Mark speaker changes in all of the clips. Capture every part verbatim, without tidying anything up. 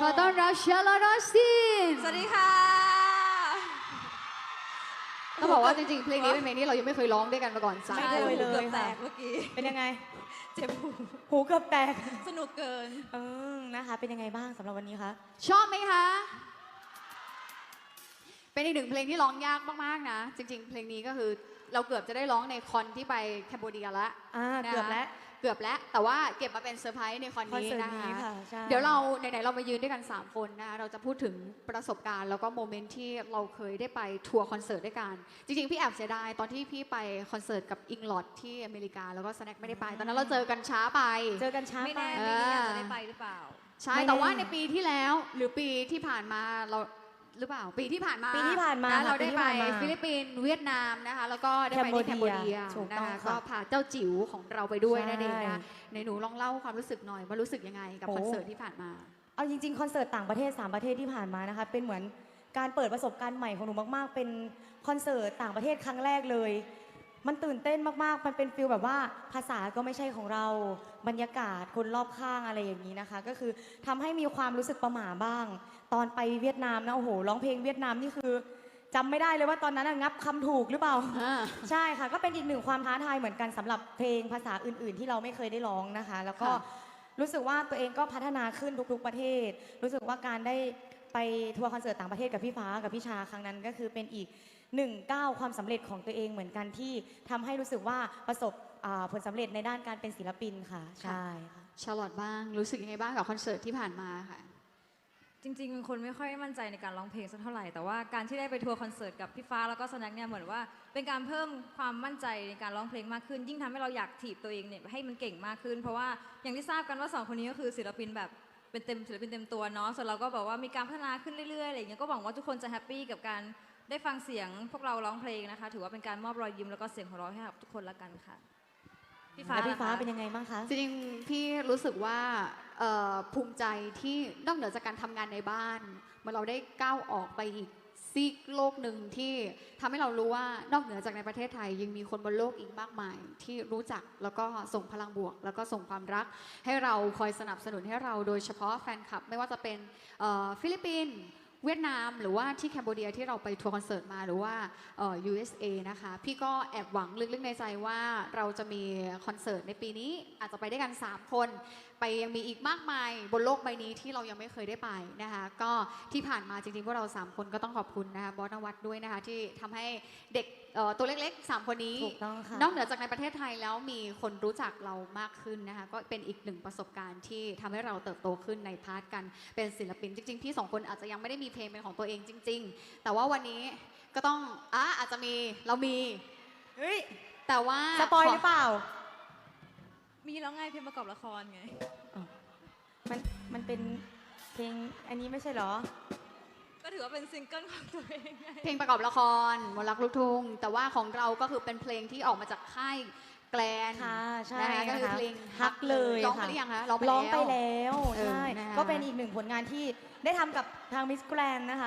Speaker 1: ขอต้อนรับเชลลอร์ซิน
Speaker 2: สวัสดีค่ะ
Speaker 1: ต้องบอกว่าจริงๆเพลงนี้เป็นเพลงที่เรายังไม่เคยร้องด้วยกันมาก่อนสัก
Speaker 2: ไม่เคยเลยแตกเมื่อกี้
Speaker 3: เป็นยังไง
Speaker 2: เจ็บหู
Speaker 3: หูเกือบแตก
Speaker 2: สนุกเกิน
Speaker 3: เออนะคะ เป็นยังไงบ้างสำหรับวันนี้คะ
Speaker 1: ชอบไหมคะเป็นอีกหนึ่งเพลงที่ร้องยากมากๆนะจริงๆ เพลงนี้ก็คือเราเกือบจะได้ร้องในคอนที่ไปแคนเบเดียแล้ว
Speaker 3: อ่า
Speaker 1: นะ
Speaker 3: เกือบแล้ว
Speaker 1: เกือบแล้วแต่ว่าเก็บมาเป็นเซอร์ไพรส์ในคอน
Speaker 3: คอน
Speaker 1: นี้
Speaker 3: เสิร์ต
Speaker 1: นะ
Speaker 3: นี้
Speaker 1: คะ
Speaker 3: ค่ะใช่
Speaker 1: เดี๋ยวเราไหนๆเรามายืนด้วยกันสามคนนะคะเราจะพูดถึงประสบการณ์แล้วก็โมเมนต์ที่เราเคยได้ไปทัวร์คอนเสิร์ตด้วยกันจริงๆพี่แอบเสียดายตอนที่พี่ไปคอนเสิร์ตกับอิงลอดที่อเมริกาแล้วก็สแน็คไม่ได้ไปตอนนั้นเราเจอกันช้าไป
Speaker 3: เจอกันช้า
Speaker 2: ไม่
Speaker 3: ไป
Speaker 2: แน่ปีนี้อาจจะได้ไปหรือเปล่า
Speaker 1: ใช่
Speaker 3: ไม่แน่
Speaker 1: แต่ว่าในปีที่แล้วหรือปีที่ผ่านมาเราหรือเปล่าปีที่ผ่านมา
Speaker 3: ปีที่ผ่านมา
Speaker 1: ะเราได้ไป
Speaker 3: ปีที่ผ่านมา
Speaker 1: ฟิลิปปินส์เวียดนามนะคะแล้วก็ได้ไปที่แคนเบเดีย
Speaker 3: ถูก
Speaker 1: นะ
Speaker 3: ต้อง
Speaker 1: คะ
Speaker 3: ค่ะ
Speaker 1: ก็พาเจ้าจิ๋วของเราไปด้วย
Speaker 3: ใช่
Speaker 1: นั่นเองนะในหนูลองเล่าความรู้สึกหน่อยว่ารู้สึกยังไงกับ
Speaker 3: โอ้
Speaker 1: คอนเสิร์ตที่ผ่านมา
Speaker 3: เอาจริงๆ คอนเสิร์ตต่างประเทศสามประเทศที่ผ่านมานะคะ เป็นเหมือนการเปิดประสบการณ์ใหม่ของหนูมากๆ เป็นคอนเสิร์ตต่างประเทศครั้งแรกเลย มันตื่นเต้นมากๆ มันเป็นฟิลแบบว่าภาษาก็ไม่ใช่ของเรา บรรยากาศคนรอบข้างอะไรอย่างนี้นะคะ ก็คือทำให้มีความรู้สึกประหม่าบ้าง ตอนไปเวียดนามนะโอ้โหร้องเพลงเวียดนามนี่คือจำไม่ได้เลยว่าตอนนั้นน่ะงับคำถูกหรือเปล่า
Speaker 1: อ่า
Speaker 3: ใช่ค่ะก็เป็นอีกหนึ่งความท้าทายเหมือนกันสำหรับเพลงภาษาอื่น ๆ ที่เราไม่เคยได้ร้องนะคะ แล้วก็
Speaker 1: ค่ะ
Speaker 3: รู้สึกว่าตัวเองก็พัฒนาขึ้นทุก ๆ ประเทศ รู้สึกว่าการได้ไปทัวร์คอนเสิร์ตต่างประเทศกับพี่ฟ้ากับพี่ชาครั้งนั้นก็คือเป็นอีกหนึ่งก้าวความสำเร็จของตัวเองเหมือนกันที่ทำให้รู้สึกว่าประสบอ่าผลสำเร็จในด้านการเป็นศิลปินค่ะใช่ค่ะ
Speaker 1: ชาร์ลอตบ้างรู้สึกยังไงบ้างกับคอนเสิร์ตที่ผ่านมาค่ะ
Speaker 2: จริงๆเป็นคนไม่ค่อยมั่นใจในการร้องเพลงสักเท่าไหร่ แต่ว่าการที่ได้ไปทัวร์คอนเสิร์ตกับพี่ฟ้าแล้วก็สแน็คเนี่ยเหมือนว่าเป็นการเพิ่มความมั่นใจในการร้องเพลงมากขึ้น ยิ่งทำให้เราอยากถีบตัวเองเนี่ยให้มันเก่งมากขึ้น เพราะว่าอย่างที่ทราบกันว่าสองคนนี้ก็คือศิลปินแบบเป็นเต็มศิลปินเต็มตัวเนาะ ส่วนเราก็แบบว่ามีการพัฒนาขึ้นเรื่อยๆอะไรอย่างเงี้ย ก็หวังว่าทุกคนจะแฮปปี้กับการได้ฟังเสียงพวกเราร้องเพลงนะคะ ถือว่าเป็นการมอบรอยยิ้มแล้วก็เสียงหัวเราะให้กับทุกคนละกันค่ะ พี่ฟ้า
Speaker 3: แล้วพี่ฟ้า
Speaker 2: ล่ะคะ
Speaker 3: เป็นยังไงบ้างคะ
Speaker 1: จริงๆพี่รู้สึกว่าเอ่อภูมิใจที่นอกเหนือจากการทำงานในบ้านเมื่อเราได้ก้าวออกไปอีกซีกโลกหนึ่งที่ทำให้เรารู้ว่านอกเหนือจากในประเทศไทยยังมีคนบนโลกอีกมากมาย ที่รู้จักแล้วก็ส่งพลังบวก แล้วก็ส่งความรัก ให้เราคอยสนับสนุนให้เราโดยเฉพาะแฟนคลับ ไม่ว่าจะเป็นเอ่อฟิลิปปินส์เวียดนามหรือว่าที่แคนเบเดียที่เราไปทัวร์คอนเสิร์ตมาหรือว่าเอ่อ ยู เอส เอ นะคะพี่ก็แอบหวังลึกๆในใจว่าเราจะมีคอนเสิร์ตในปีนี้อาจจะไปได้กันสามคนไปยังมีอีกมากมายบนโลกใบนี้ที่เรายังไม่เคยได้ไปนะคะก็ที่ผ่านมาจริงๆพวกเราสามคนก็ต้องขอบคุณนะคะบอสนวัตด้วยนะคะที่ทำให้เด็กเอ่อตัวเล็กๆสามคนนี้
Speaker 3: ถูกต้องค่ะ
Speaker 1: นอกเหนือจากในประเทศไทยแล้วมีคนรู้จักเรามากขึ้นนะคะก็เป็นอีกหนึ่งประสบการณ์ที่ทำให้เราเติบโตขึ้นในพาร์ทกันเป็นศิลปินจริงๆพี่สองคนอาจจะยังไม่ได้มีเพลงเป็นของตัวเองจริง ๆ แต่ว่าวันนี้ก็ต้องอ่ะอาจจะมีเรามี
Speaker 3: เฮ้ย
Speaker 1: แต่ว่า
Speaker 3: สปอยหรือเปล่า
Speaker 2: มีแล้วไงเพลงประกอบละครไง
Speaker 3: มันมันเป็นเพลงอันนี้ไม่ใช่เหรอ
Speaker 2: ก็ถือว่าเป็นซิงเกิลของตัวเองไง
Speaker 1: เพลงประกอบละครมนต์รักลูกทุ่งแต่ว่าของเราก็คือเป็นเพลงที่ออกมาจากค่ายแกลน
Speaker 3: ค่ะใช่
Speaker 1: นะคะก็คือ
Speaker 3: นะคะ
Speaker 1: เพลง
Speaker 3: ฮักเลย
Speaker 1: ร้องไป
Speaker 3: ค่ะ
Speaker 1: หรือยังคะร้องไป
Speaker 3: ร้องไป
Speaker 1: แล้ว
Speaker 3: แล้ว
Speaker 1: เออ
Speaker 3: ใช่
Speaker 1: นะคะ
Speaker 3: ก็เป็นอีกหนึ่งผลงานที่ได้ทำกับทางมิสแกรนนะคะ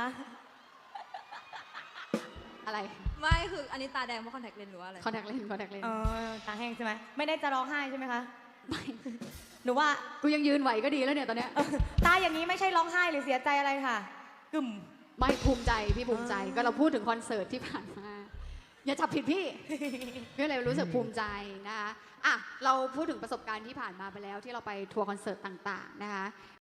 Speaker 1: อะไร
Speaker 2: ไม่คืออันนี้ตาแดงเพราะคอนแทคเลนส์หรือว่าอะไร
Speaker 1: คอนแทคเลนคอนแทคเลน
Speaker 3: เออตาแห้งใช่ไหมไม่ได้จะร้องไห้ใช่ไหมคะ
Speaker 1: ไม่
Speaker 3: หนูว่า
Speaker 1: กูยังยืนไหวก็ดีแล้วเนี่ยตอนเนี้ย
Speaker 3: ตาอย่างนี้ไม่ใช่ร้องไห้หรือเสียใจอะไรค่ะกึ่ม
Speaker 1: ไม่ภูมิใจพี่ภูมิใจ
Speaker 3: อ่า
Speaker 1: ก็เราพูดถึงคอนเสิร์ตที่ผ่านมา อย่าจับผิดพี่ พี่เลยรู้สึกภูมิใจนะคะอ่ะเราพูดถึงประสบการณ์ที่ผ่านมาไปแล้วที่เราไปทัวร์คอนเสิร์ตต่างๆนะคะ